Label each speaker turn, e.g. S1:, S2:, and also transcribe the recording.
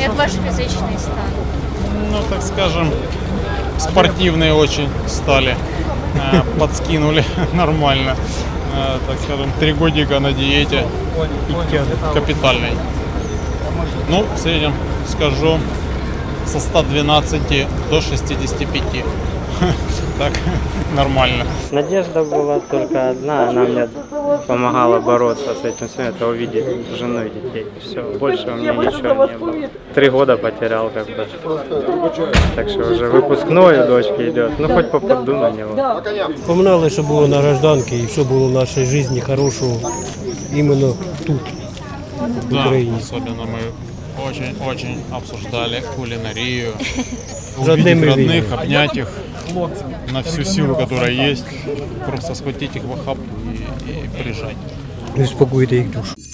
S1: Як ваш фізичний стан?
S2: Ну, так скажем, спортивные очень стали. Подскинули нормально. Так скажем, 3 годика на диете капитальной. Ну, в среднем скажу со 112 до 65. Так, нормально.
S3: Надежда была только одна, она мне помогала бороться с этим всем, это увидеть жену и детей. Все, больше у меня ничего не было. 3 года потерял как бы. Так что уже выпускной у дочки идет, ну хоть попаду на него.
S4: Вспоминали, що було на гражданці і що було в нашій житті хорошого іменно тут, в
S2: Да,
S4: Україні.
S2: особенно мы очень обсуждали кулинарию.
S4: Родными
S2: Увидеть родных,
S4: видимо.
S2: обнять их на всю силу, которая есть. Просто схватить их в охапку и прижать.
S4: І успокоїти їх душу.